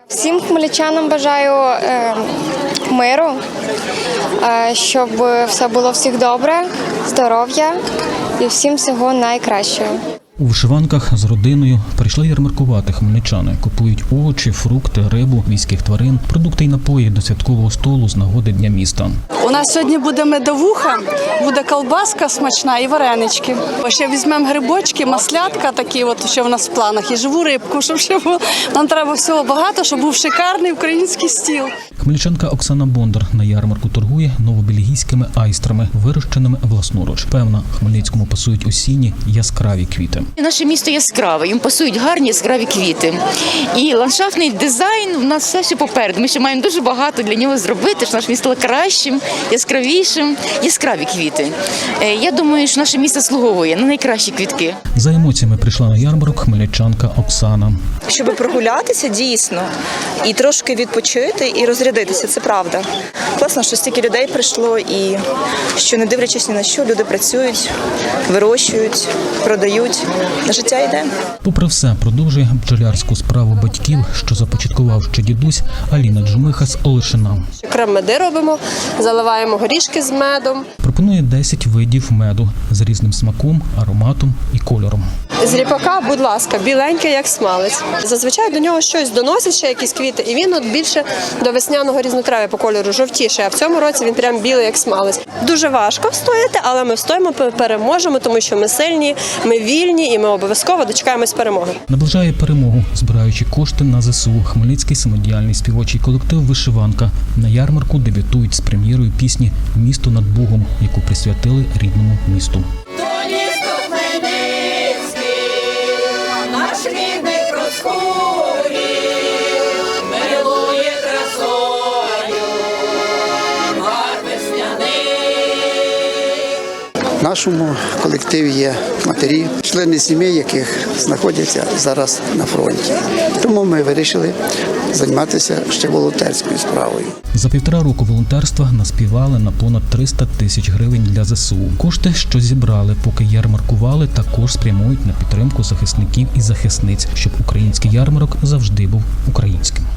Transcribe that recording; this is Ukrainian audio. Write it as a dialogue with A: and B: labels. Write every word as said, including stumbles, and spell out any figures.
A: Всім хмельничанам бажаю е, миру, е, щоб все було всіх добре, здоров'я і всім всього найкращого.
B: У вишиванках з родиною прийшли ярмаркувати хмельничани. Купують овочі, фрукти, рибу, міських тварин, продукти і напої до святкового столу з нагоди Дня міста.
C: У нас сьогодні буде медовуха, буде колбаска смачна і варенички. Ще візьмемо грибочки, маслятка такі, от, що в нас в планах, і живу рибку, щоб ще було. Нам треба всього багато, щоб був шикарний український стіл.
B: Хмельничанка Оксана Бондар на ярмарку торгує новобельгійськими айстрами, вирощеними власноруч. Певна, Хмельницькому пасують осінні яскраві квіти.
D: Наше місто яскраве, їм пасують гарні яскраві квіти. І ландшафтний дизайн у нас все ще попереду. Ми ще маємо дуже багато для нього зробити, щоб наше місто стало кращим, яскравішим. Яскраві квіти. Я думаю, що наше місто слуговує на найкращі квітки.
B: За емоціями прийшла на ярмарок хмельничанка Оксана.
E: Щоб прогулятися дійсно і трошки відпочити і розрядитися, це правда. Класно, що стільки людей прийшло і що, не дивлячись ні на що, люди працюють, вирощують, продають. Життя йде.
B: Попри все, продовжує бджолярську справу батьків, що започаткував ще дідусь, Аліна Джумиха з Олешина.
F: Крем-меди робимо, заливаємо горішки з медом.
B: Пропонує десять видів меду з різним смаком, ароматом і кольором.
F: З ріпака, будь ласка, біленький, як смалець. Зазвичай до нього щось доносять, ще якісь квіти, і він от більше до весняного різнотрав'я по кольору жовтіше, а в цьому році він прям білий, як смалець. Дуже важко встояти, але ми встоїмо, переможемо, тому що ми сильні, ми вільні і ми обов'язково дочекаємось перемоги.
B: Наближає перемогу, збираючи кошти на ЗСУ. Хмельницький самодіяльний співочий колектив «Вишиванка» на ярмарку дебютують з прем'єрою пісні «Місто над Богом», яку присвятили рідному місту.
G: В нашому колективі є матері, члени сімей, яких знаходяться зараз на фронті. Тому ми вирішили займатися ще волонтерською справою.
B: За півтора року волонтерства наспівали на понад триста тисяч гривень для ЗСУ. Кошти, що зібрали, поки ярмаркували, також спрямують на підтримку захисників і захисниць, щоб український ярмарок завжди був українським.